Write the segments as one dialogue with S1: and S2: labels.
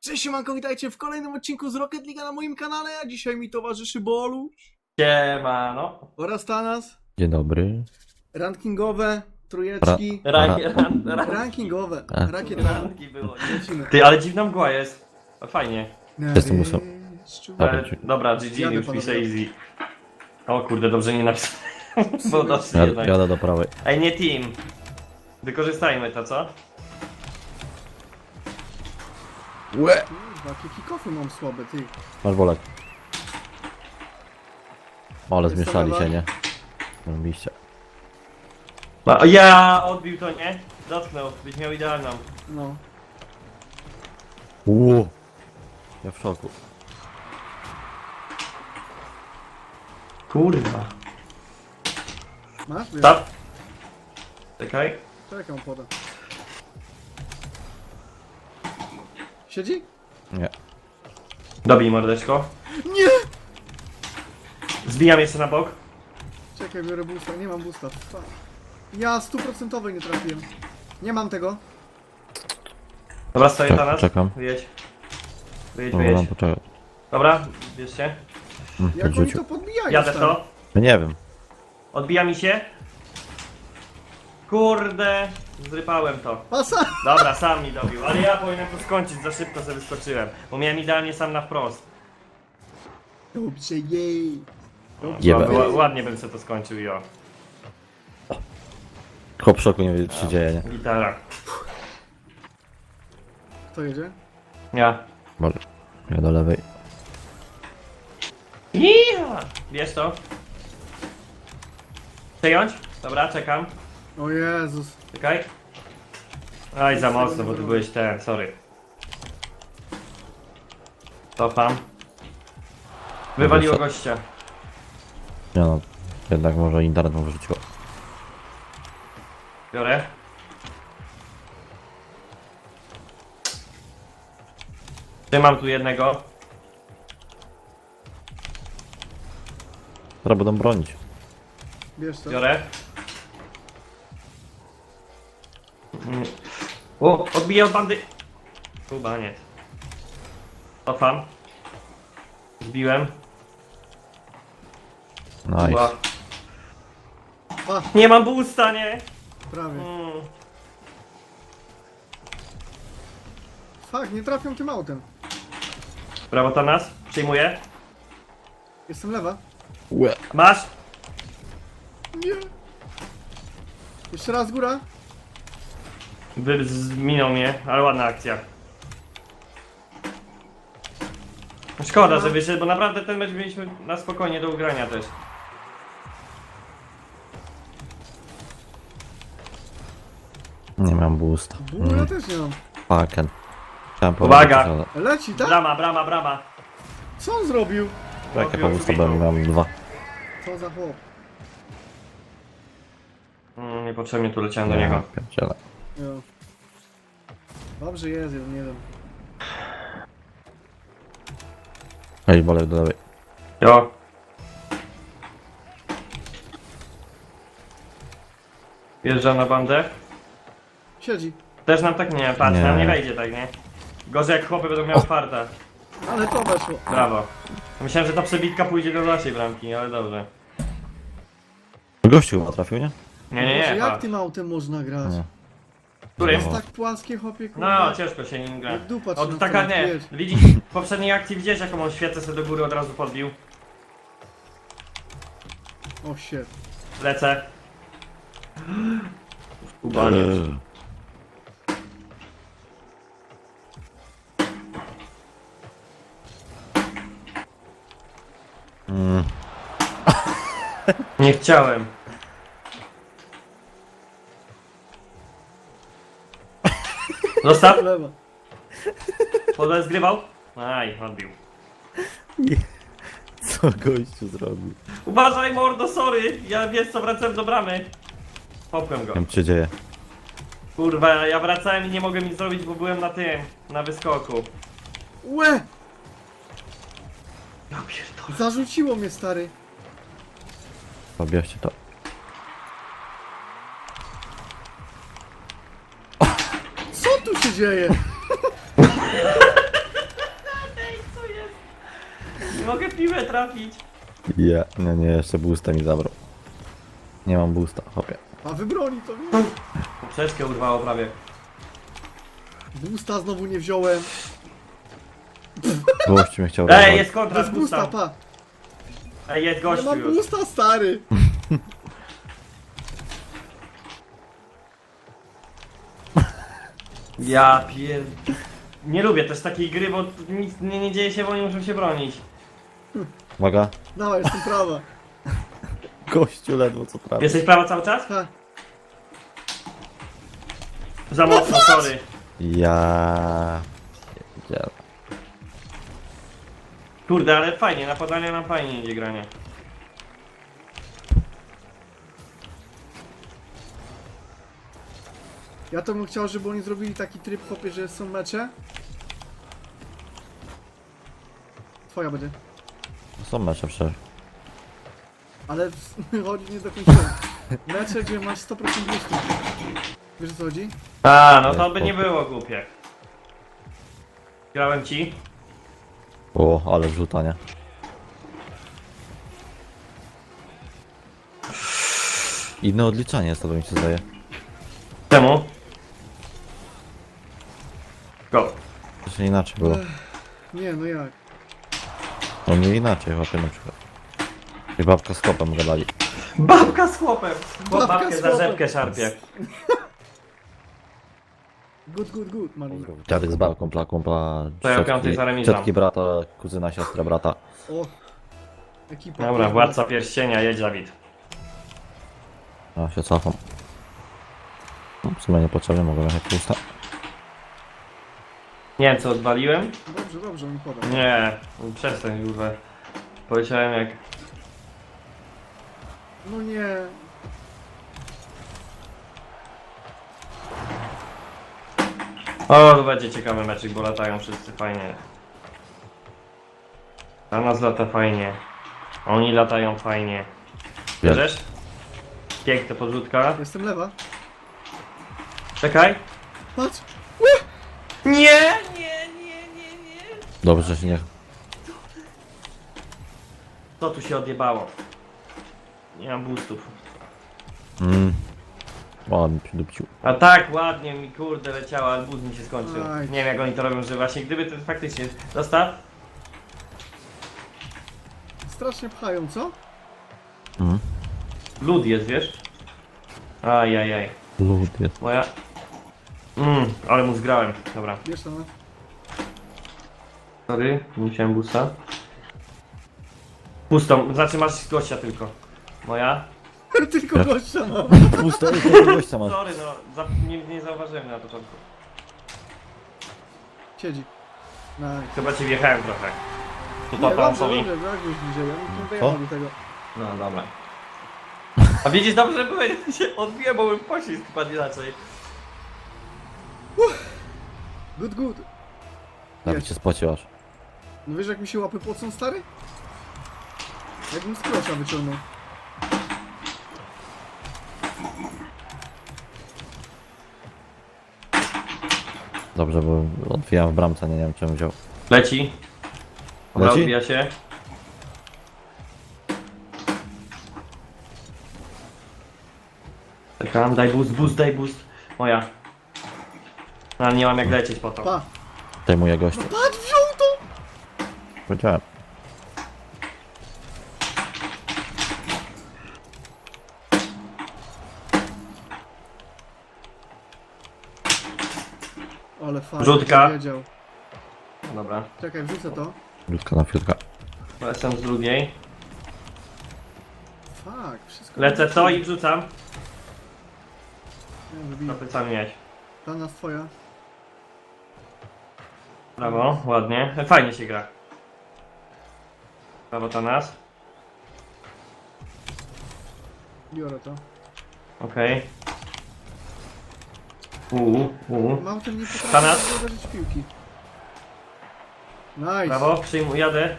S1: Cześć siemanko, witajcie w kolejnym odcinku z Rocket League na moim kanale, a dzisiaj mi towarzyszy Bolu
S2: Siemano.
S1: oraz Tanas.
S3: Dzień dobry.
S1: Rankingowe, trójeczki, rankingowe, rakietami.
S2: Ranki było.
S1: Lecimy.
S2: Ty, ale dziwna mgła jest. A fajnie.
S3: Jestem ósmy.
S2: Ale, dobra, GG,
S1: Jadę,
S2: już
S1: panowie.
S2: piszę easy. O kurde, dobrze nie napisałem. Bo dobrze jednak.
S3: Jadę do prawej.
S2: Ej, nie team. Wykorzystajmy to, co?
S1: Łe! Kurwa, jakie kickofy mam słabe, ty.
S3: Masz bolek. Ale
S1: Jest
S3: zmieszali
S1: lewa.
S3: się, nie? Robiliście.
S2: O, ja odbił to, nie? Dotknął, byś miał idealną.
S1: No.
S3: Ło! Ja w szoku.
S2: Kurwa.
S1: Masz? Wiesz,
S2: Stop. Czekaj.
S1: czekaj, on poda. Siedzi?
S3: Nie.
S2: Dobij mordeczko.
S1: Nie!
S2: Zbijam jeszcze na bok.
S1: Czekaj, biorę boosta, nie mam boosta. Fuck. Ja 100% nie trafiłem. Nie mam tego.
S2: Dobra, stoję na nas.
S3: Czekam.
S2: Wyjedź. Wyjedź,
S3: Dobra, mam
S2: wyjedź.
S3: poczekać.
S2: Dobra, bierzcie.
S1: Jak oni
S3: Podrzucił.
S1: to podbijają?
S2: Jadę w
S1: stary?
S2: to.
S3: No nie wiem.
S2: Odbija mi się. Kurde, zrypałem to.
S1: Pasa!
S2: Dobra, sam mi dobił, ale ja powinienem to skończyć, za szybko sobie wyskoczyłem. Bo miałem idealnie sam na wprost.
S1: Dobrze, jej.
S3: Jeba.
S2: Ładnie bym sobie to skończył, jo.
S3: Chłop w szoku, nie wie co się dzieje, nie?
S2: Gitara.
S1: Kto jedzie?
S2: Ja.
S3: Może. Ja do lewej.
S2: Ja. Bierz to. Przejąć? Dobra, czekam.
S1: O Jezus.
S2: Czekaj. Aj, za mocno, bo ty byłeś ten, sorry. Cofam. Wywaliło gościa.
S3: Nie no. Jednak może internet mu wyrzuciło.
S2: Biorę. Trzymam tu jednego.
S3: Teraz będą bronić.
S1: Bierz to.
S2: Biorę. O, odbiję od bandy. Chyba nie. Cofam. Zbiłem.
S3: Nice.
S2: Chyba.
S1: A,
S2: Nie mam boosta, nie?
S1: prawie.
S2: Mm.
S1: Fuck, nie trafią tym autem.
S2: Brawo, Tanas. Przyjmuję.
S1: Jestem lewa.
S3: Łe.
S2: Masz?
S1: Nie. Jeszcze raz góra.
S2: Minął mnie, ale ładna akcja. Szkoda, że wyszedł, bo naprawdę ten mecz mieliśmy na spokojnie do ugrania też.
S3: Nie mam boosta.
S1: Ja też nie mam.
S3: Fucken. Chciałem
S2: Uwaga!
S3: powiedzieć, ale...
S1: Leci, tak?
S2: Brama, brama, brama.
S1: Co on zrobił?
S3: Jakie po boosta byłem, miałem dwa.
S1: Co za chłop?
S2: Niepotrzebnie tu leciałem do niego.
S3: Pierdziele.
S1: Jo. Dobrze jest, ja nie wiem.
S3: Ej, bolek do lewej.
S2: Jo. Wjeżdżam na bandę.
S1: Siedzi.
S2: Też nam tak nie, patrz,
S3: Nie.
S2: nam nie wejdzie tak, nie? Gorzej jak chłopy będą miały farta.
S1: Ale to weszło.
S2: Brawo. Myślałem, że ta przebitka pójdzie do naszej bramki, ale dobrze.
S3: Gościu chyba trafił, nie?
S2: Nie,
S1: Boże,
S2: nie,
S1: jak
S2: patrz.
S1: tym autem można grać?
S3: Nie.
S1: To
S2: Którym?
S1: jest tak płaskie, chłopie, kurwa.
S2: No, ciężko się nim gra.
S1: Jak dupa
S2: O,
S1: trzyma
S2: to taka
S1: w
S2: nie.
S1: wiesz.
S2: Widzisz, w poprzedniej akcji widziałeś jaką on świecę sobie do góry od razu podbił.
S1: O shit.
S2: Lecę. Kubanie. Nie chciałem. Zostaw.
S1: Lewa.
S2: Podle zgrywał. Aj, odbił.
S3: Co gościu zrobił?
S2: Uważaj mordo, sorry. Ja wiesz co, wracałem do bramy. Popłem go.
S3: Nie wiem co się dzieje.
S2: Kurwa, ja wracałem i nie mogłem nic zrobić, bo byłem na tym, na wyskoku.
S1: Łe!
S2: Ja pierdolę.
S1: Zarzuciło mnie, stary.
S3: Pobierzcie to.
S1: Co tu się dzieje?
S2: mogę piłę trafić.
S3: Ja. No nie, jeszcze boosta mi zabrał. Nie mam boosta, hopie.
S1: A wybroni to.
S2: Poprzeczkę urwało prawie.
S1: Boosta znowu nie wziąłem.
S3: Gościu mnie chciał
S2: Ej,
S3: rozwalić.
S2: jest kontra z
S1: Bez boosta,
S2: boosta.
S1: pa.
S2: Ej, jest
S1: Nie
S2: gościu
S1: mam
S2: już.
S1: boosta, stary.
S2: Ja pier... Nie lubię też takiej gry, bo nic nie dzieje się, bo oni muszą się bronić.
S3: Uwaga.
S1: Dawaj, jestem prawa.
S3: Gościu ledwo co trafi.
S2: Jesteś prawa cały czas?
S1: Ha.
S2: Za mocno, sorry.
S3: Ja... Pierdziele.
S2: Kurde, ale fajnie, na podanie nam fajnie idzie granie.
S1: Ja to bym chciał, żeby oni zrobili taki tryb, chłopie, że są mecze. Twoja będzie.
S3: Są mecze przecież.
S1: Ale chodzi nie do końca. Mecze, gdzie masz 100% boostu. Wiesz o co chodzi?
S2: A, no to by nie było głupie. Grałem ci.
S3: O, ale wrzuta, nie? Inne odliczanie jest to, mi się zdaje.
S2: Czemu? Go.
S3: Jeszcze inaczej było.
S1: Nie, no jak?
S3: No nie inaczej, chłopie na przykład. I babka z kopem gadali.
S2: Babka z chłopem! Bo
S1: Babka
S2: babkę
S1: z
S2: za
S1: chłopem.
S2: rzepkę szarpie.
S1: Good, Mari.
S3: Dziadek z babką, kumpla,
S2: To ja piątej za remizą.
S3: ciotki brata, kuzyna, siostra brata.
S1: O. Ekipa.
S2: Dobra, władca pierścienia, jedź Dawid.
S3: A się cofam. No, w sumie niepotrzebnie, mogę jechać pusta.
S2: Nie wiem co odwaliłem?
S1: Dobrze, on poda.
S2: Nie, przestań kurwa. Powiedziałem jak...
S1: No nie.
S2: O, to będzie ciekawy meczek, bo latają wszyscy fajnie. A nas lata fajnie. Oni latają fajnie. Bierzesz? Piękna podrzutka.
S1: Jestem lewa.
S2: Czekaj.
S1: Patrz.
S2: Nie!
S3: Dobrze, że się nie...
S2: Co tu się odjebało? Nie mam boostów.
S3: O, mi przydupcił.
S2: A tak ładnie mi kurde leciała, ale boost mi się skończył.
S1: Aj.
S2: Nie wiem jak oni to robią, że właśnie gdyby to faktycznie... Zostaw.
S1: Strasznie pchają, co?
S2: Lud jest, wiesz? Ajajaj.
S3: Lud jest.
S2: Moja... ale mu zgrałem. Dobra.
S1: Wiesz to, no.
S2: Sorry, nie chciałem boosta. Pustą, znaczy masz gościa tylko. Moja?
S1: Tylko gościa mam.
S3: Pusta, tylko gościa masz.
S2: Sorry, no, nie zauważyłem na początku.
S1: Siedzi. Nice.
S2: Chyba ci wjechałem trochę. Tu
S1: Nie,
S2: to
S1: dobrze,
S2: Tomsowi.
S1: dobrze, jak już bliżej. Ja bym nie
S3: Co?
S1: dojechał do tego.
S2: No dobra. A widzisz, dobrze byłem, się odbiłem, bo bym poślizg padł inaczej.
S1: Good.
S3: Nawet cię spocił aż.
S1: No wiesz jak mi się łapy pocą, stary? Jakbym z klosza wyciągnął.
S3: Dobrze, bo odwijałem w bramce, nie wiem czemu wziął.
S2: Leci. Dobra,
S3: Leci?
S2: odbija się. Czekam, daj boost. Moja. Ale nie mam jak lecieć po to.
S1: Pa.
S3: Zajmuję gościa.
S1: Patrz, wziął to!
S3: Powiedziałem.
S1: Ale fajnie.
S2: Rzutka.
S1: Wiedział.
S2: Dobra.
S1: Czekaj, wrzucę to.
S3: Ludka na fiutka.
S2: Lecę z drugiej.
S1: Fuck, wszystko...
S2: Lecę to i wrzucam.
S1: Nie,
S2: Na
S1: wybiję.
S2: plecami mieć.
S1: Ta nas twoja.
S2: Brawo, ładnie. Fajnie się gra. Brawo to nas.
S1: Biorę to.
S2: Okej.
S1: Mam ten nie potrafię
S2: Tanas?
S1: uderzyć piłki. Nice.
S2: Brawo, przyjmuję, jadę.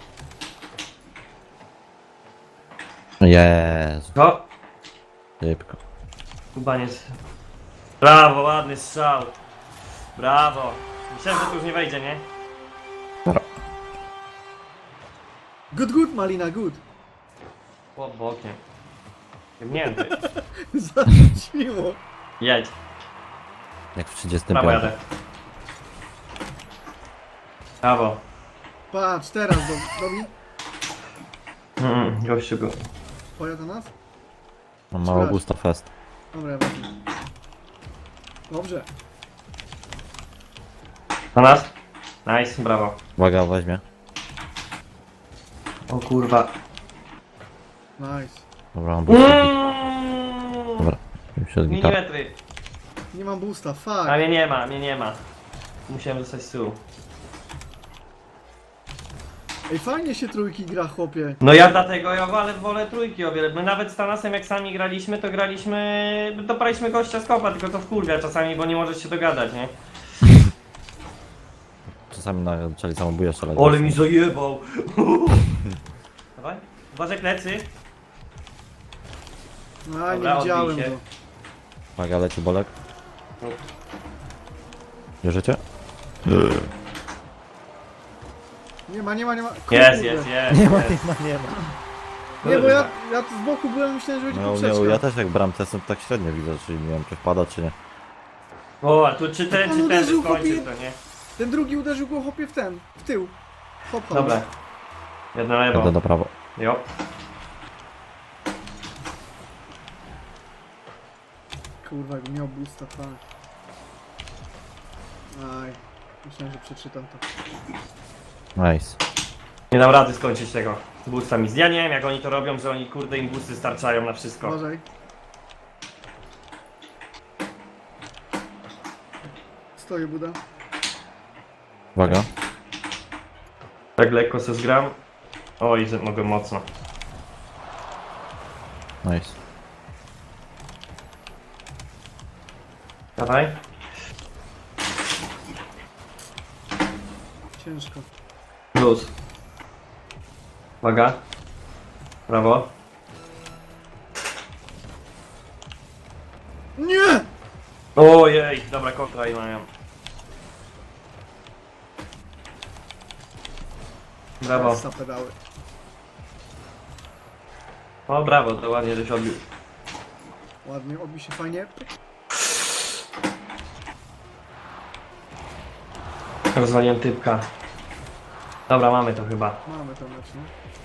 S3: Jezu,
S2: Ho,
S3: szybko.
S2: Kubaniec. Brawo, ładny strzał. Brawo. Myślałem, że tu już nie wejdzie, nie?
S3: Dobra.
S1: Good, Malina, good.
S2: Pod bokiem. Jebnięty.
S1: Zarzuciło.
S2: Jedź.
S3: Jak w 35.
S2: Prawo jadę. Brawo.
S1: Patrz, teraz dobi.
S2: Gościu go.
S1: Pojadę nas?
S3: Mam mało gusta fest.
S1: Dobra, ja wezmę. Dobrze.
S2: Na nas? Nice, brawo.
S3: Uwaga, weźmie.
S2: O kurwa.
S1: Nice.
S3: Dobra, mam boosta. Dobra, już jest gitara.
S2: Milimetry.
S1: Nie mam boosta, fuck.
S2: A mnie nie ma. Musiałem dostać z tyłu.
S1: Ej, fajnie się trójki gra, chłopie.
S2: No ja dlatego wolę trójki o wiele. My nawet z Tanasem jak sami graliśmy, to doparliśmy gościa z kopa, tylko to wkurwia czasami, bo nie możesz się dogadać, nie?
S3: Czasami zaczęli samobóje strzelać.
S2: Ole mi zajebał! Dawaj, uważaj plecy.
S1: No,
S2: Dobra,
S1: nie widziałem
S2: odbij się.
S1: go.
S3: Uwaga, leci bolek.
S2: No.
S3: Bierzecie?
S1: Nie ma.
S2: Jest.
S3: Nie ma.
S1: Nie, bo ja z boku byłem, myślałem, że będzie
S3: No,
S1: poprzeczka.
S3: ja też jak bramce jestem tak średnio widzę, czyli nie wiem czy wpada czy nie.
S2: O, a tu czy ten
S1: On uderzył,
S2: skończy
S1: chłopie.
S2: to, nie?
S1: Ten drugi uderzył go, chłopie, w tył. Hop, hop.
S2: Dobra. Jedno
S3: Jadę
S2: lewo.
S3: do prawo.
S2: Jo.
S1: Kurwa, jakby miał boosta, fuck. Aj, myślałem, że przeczytam to.
S3: Nice.
S2: Nie dam rady skończyć tego boostami. Ja nie wiem jak oni to robią, że oni kurde im boosty starczają na wszystko.
S1: Uważaj. Stoję, Buda.
S3: Uwaga.
S2: Tak lekko se zgram. Oj, że mogę mocno.
S3: Nice.
S2: Dawaj.
S1: Ciężko.
S2: Luz. Uwaga. Brawo.
S1: Nie!
S2: Ojej, dobra kontra i mają. Brawo.
S1: Za pedały.
S2: O brawo, to ładnie żeś odbił.
S1: Ładnie, odbi się fajnie.
S2: Rozwaliłem typka. Dobra, mamy to chyba.
S1: Mamy to mecz, no.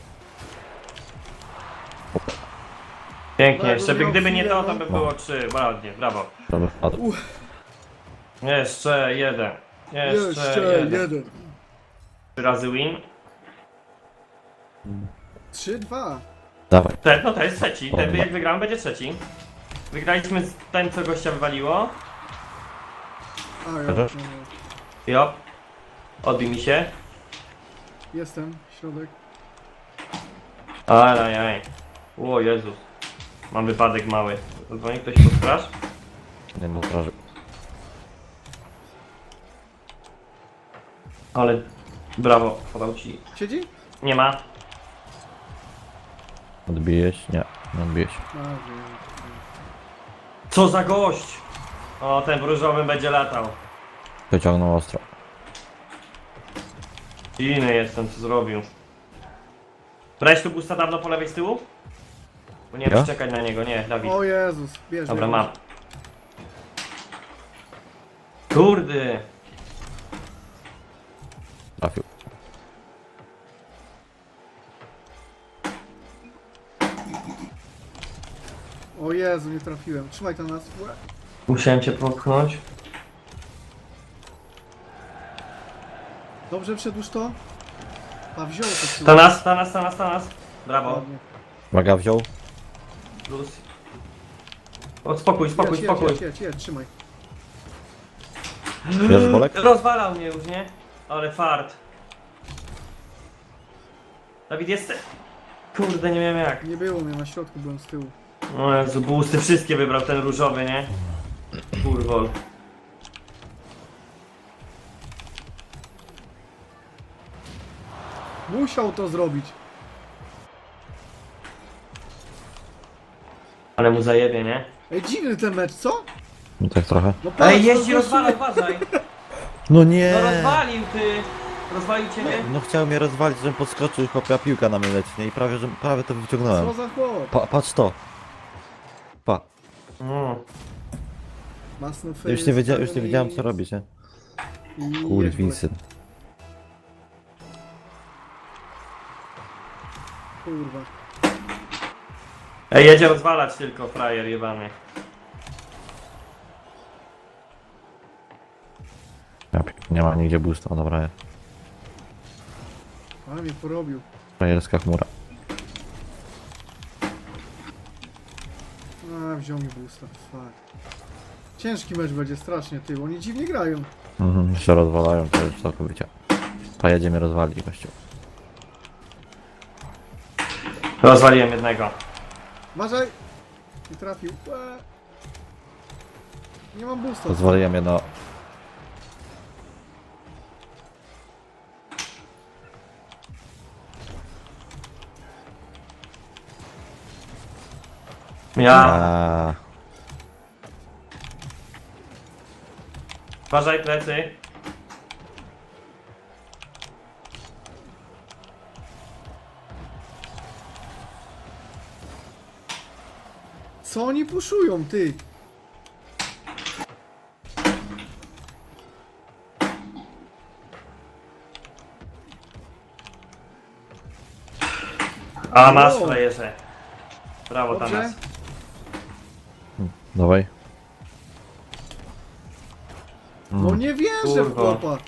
S2: Pięknie,
S1: Tak,
S2: jeszcze by
S1: miał
S2: gdyby nie
S1: chwilę,
S2: to,
S1: no.
S2: to by było 3. Ładnie, brawo.
S3: Prawy wpadł.
S2: Jeszcze jeden.
S1: Jeszcze jeden.
S2: 3 razy win.
S1: 3-2.
S3: Dawaj.
S2: No to jest trzeci. Ten jak wygramy będzie trzeci. Wygraliśmy z ten co gościa wywaliło.
S1: A, ja,
S3: Chociaż?
S1: no,
S2: Jo. Odbij mi się.
S1: jestem, środek.
S2: Ajajaj. O Jezus. Mam wypadek mały. Dzwoni ktoś pod straż?
S3: Nie no, proszę.
S2: Ale brawo, podał ci.
S1: Siedzi?
S2: Nie ma.
S3: Odbijesz? Nie, nie odbijesz.
S1: A, wiem.
S2: Co za gość! O, ten w różowym będzie latał.
S3: Wyciągnął ostro.
S2: Inny jestem, co zrobił. Brałeś tu busta dawno po lewej z tyłu? Bo nie
S3: Ja?
S2: wiem, czekać na niego, nie, Dawid.
S1: O Jezus, bierz.
S2: Dobra,
S1: bierz.
S2: mam. Kurde!
S3: Trafił.
S1: O Jezu, nie trafiłem. Trzymaj to nas. Łe.
S2: Musiałem cię popchnąć.
S1: Dobrze przedłuż to. A wziął to z tyłu.
S2: Ta nas. Brawo.
S1: Ładnie.
S3: Uwaga, wziął.
S2: Plus. O, spokój.
S1: Jedź, trzymaj.
S3: Bierzesz bolek?
S2: Rozwalał mnie już, nie? Ale fart. Dawid, jest... Kurde, nie wiem jak.
S1: Nie było mnie, na środku byłem z tyłu.
S2: O Jezu, boosty wszystkie wybrał, ten różowy, nie? Kurwol.
S1: Musiał to zrobić.
S2: Ale mu zajebie, nie?
S1: Ej, dziwny ten mecz, co?
S3: No tak trochę.
S1: No patrz,
S2: Ej, jeździ,
S1: to
S2: rozwala, uważaj!
S3: No nie!
S2: No rozwalił, ty! Rozwalił ciebie?
S3: No chciał mnie rozwalić, żebym podskoczył i chłopia piłka na mnie leci, nie? I prawie to
S1: Co
S3: wyciągnąłem.
S1: za chłop?
S3: Patrz to. Pa.
S2: Mm.
S1: Masno
S3: Już nie wiedziałem co robić, nie? Kurwisy.
S1: Kurwa.
S2: Ej, jedzie rozwalać tylko, frajer jebany.
S3: Nie ma nigdzie boosta, dobra jest.
S1: Ale mnie porobił.
S3: Frajerska chmura.
S1: A, wziął mi boosta. Fuck. Ciężki mecz będzie strasznie, ty, bo oni dziwnie grają.
S3: Mhm, się rozwalają, to już całkowicie. Pojedzie mnie rozwali, gościu.
S2: Rozwaliłem jednego.
S1: Uważaj! Nie trafił. Nie mam boosta.
S3: Rozwaliłem jedno.
S2: Ja.
S3: Aaaa.
S2: Uważaj plecy.
S1: Co oni puszują, ty?
S2: A masz
S1: Wow.
S2: frajerze. Brawo
S1: Dobrze?
S2: Tanas.
S3: Dawaj.
S1: No nie wierzę w
S2: Kurwa.
S1: chłopa.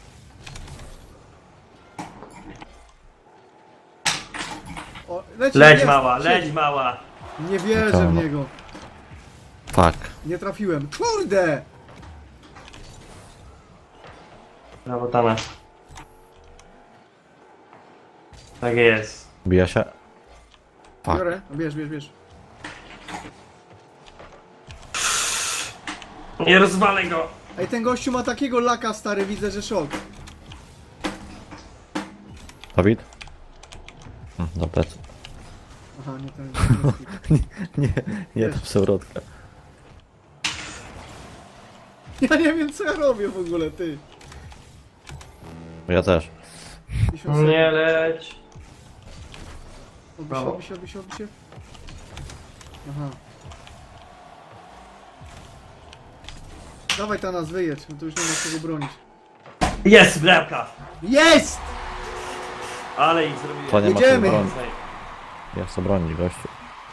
S1: O,
S2: Leć
S1: jest,
S2: mała,
S1: siedzi.
S2: leć mała.
S1: Nie wierzę w niego.
S3: Fuck.
S1: Nie trafiłem. Kurde!
S2: Brawo Tanas. Tak jest.
S3: Bija się. Fuck.
S1: Biorę. Bierz.
S2: Nie rozwalę go.
S1: Ej, ten gościu ma takiego laka, stary, widzę, że szok.
S3: Dawid? Do plecy.
S1: Aha, nie ten.
S3: Nie, nie,
S1: Wiesz.
S3: to przewrotka.
S1: Ja nie wiem, co ja robię w ogóle, ty.
S3: Ja też.
S1: 50 sekund.
S2: Nie leć. Brawo.
S1: Odbi się. Aha. Dawaj ta nas wyjedź, bo to już nie ma czego bronić.
S2: Jest bramka.
S1: Jest!
S2: Ale ich zrobiłem.
S3: To nie ma co
S1: Jedziemy.
S3: bronić. Ja chcę bronić, gościu.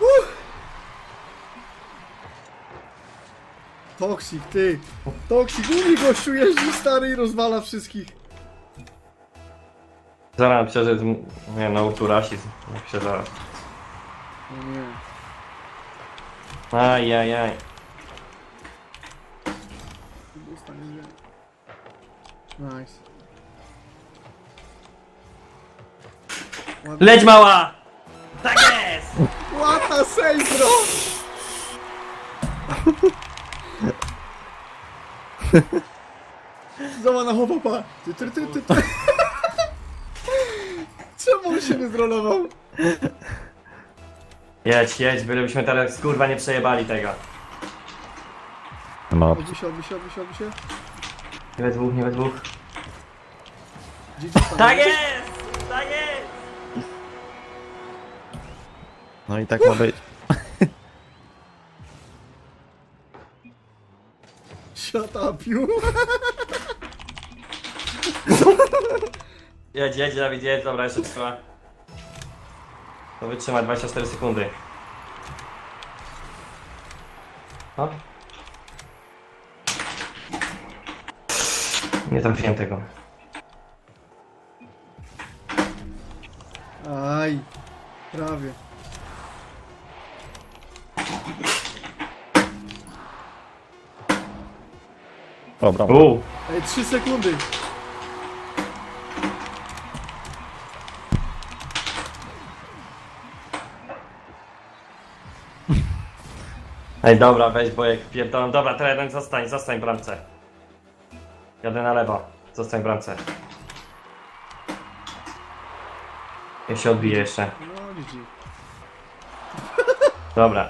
S1: Toksik, ty. Toksik, mówi gościu, jeździ stary i rozwala wszystkich.
S2: Zaraz przeżyć. Nie no, uturasizm. Jak się zaraz.
S1: No nie.
S2: Ajajaj.
S1: Dostanie mnie. Nice. Ładnie.
S2: Leć mała! Tak jest!
S1: Łata save, bro! Zobacz na chłopapa. Ty. Czemu on się nie zrolował?
S2: Jedź, bylebyśmy teraz kurwa nie przejebali tego.
S3: Nie ma opcji.
S1: Odbi się.
S2: Nie we dwóch.
S1: GG tam.
S2: Tak jest! Tak jest!
S3: No i tak ma być.
S1: Shut up, you.
S2: Jedź Dawid, jedź, dobra, jeszcze trwa. To wytrzyma 24 sekundy. O. Nie trafiłem tego.
S1: Aj, prawie.
S3: Dobra.
S1: Ej, 3 sekundy.
S2: Ej, dobra, weź Bojek, pierdolę. Dobra, teren, zostań w bramce. Jadę na lewo, zostań w bramce. Ja się odbiję jeszcze.
S1: No, GG.
S2: Dobra.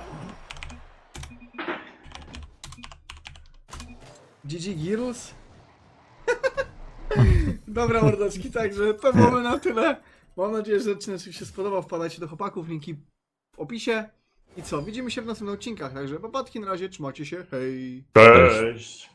S1: GG Girls? Dobra, mordeczki, także to byłoby na tyle. Mam nadzieję, że odcinek się spodobał. Wpadajcie do chłopaków, linki w opisie. I co, widzimy się w następnych odcinkach, także papatki na razie, trzymajcie się, hej!
S2: Cześć!